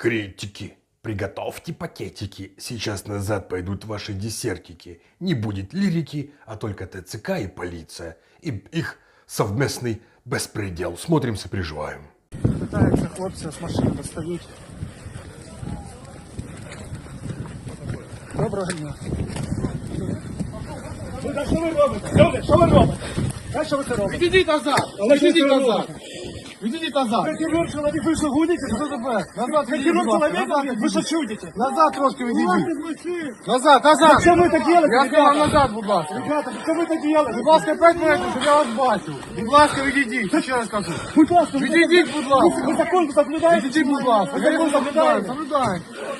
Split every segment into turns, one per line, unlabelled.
Критики, приготовьте пакетики. Сейчас назад пойдут ваши десертики. Не будет лирики, а только ТЦК и полиция. И их совместный беспредел. Смотрим, сопереживаем.
Питаються хлопці з машини достають. Доброго дня. Що ви робите? Люди, що ви робите? Що ви це робите?
Відійдіть назад! Відійдіть назад! Відійдіть назад!
Херург человек, вы что гуните?
Що тебе? Назад відійдіть,
Херург
будь ласка.
человек,
Назад
вы
відійдіть.
что чудите?
Назад трошки відійдіть. Назад, назад!
Что вы так делаете,
Я сказав
ребята?
назад, будь ласка.
Ребята, что вы так делаете?
Будь ласка, 5 метрів, щоб я вас бачив. Будь ласка, відійдіть. Ще раз кажу.
Будь ласка,
Відійдіть, будь ласка.
вы закон соблюдаете?
Відійдіть, будь ласка.
Вы
Я
закон
його соблюдаю,
соблюдаете?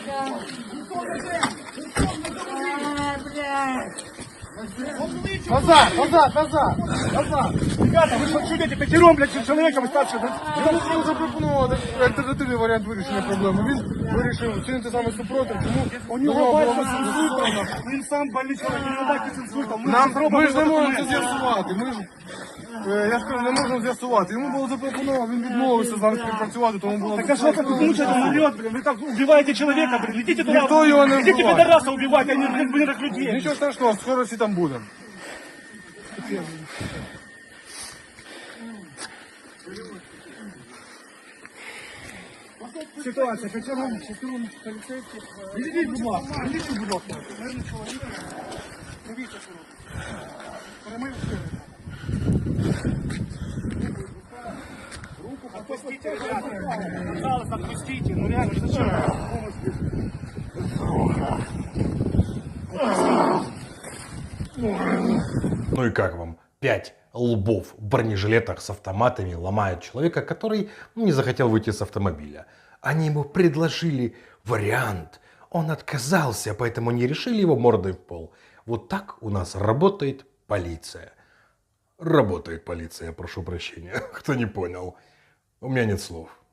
соблюдаю. Назад, назад, назад, назад.
Ребята, вы что чудите? Пятером, блядь, с человеком старше.
Я можу запропонувати альтернативний варіант вирішення проблеми. Він вирішив чинити саме супротив, тому
У него
було
батько с инсультом. Он сам больной человек, у него батько с инсультом.
Ми ж не можемо це з'ясувати. Ми ж, я ж кажу, не можемо з'ясувати. Йому було запропоновано, він відмовився з нами співпрацювати, тому було
Так а что так мучает, он умрет, блин, вы так убиваете человека, блин, идите туда.
Никто его не
Идите
убивает.
пидораса убивать, а не мирных людей.
Нічого страшного, скоро всі там будемо.
Ситуація, пятером поліцейських. Ідіть, будь ласка, ідіть, будь ласка. Мирний чоловік. Дивіться, що робить. Перемив руку, отпустите, ребята. Пожалуйста, отпустите. Ну реально, зачем?
Ну и как вам? 5 лбов в бронежилетах с автоматами ломают человека, который не захотел выйти с автомобиля. Они ему предложили вариант. Он отказался, поэтому не решили его мордой в пол. Вот так у нас работает полиция. Работает полиция, прошу прощения, кто не понял. У меня нет слов.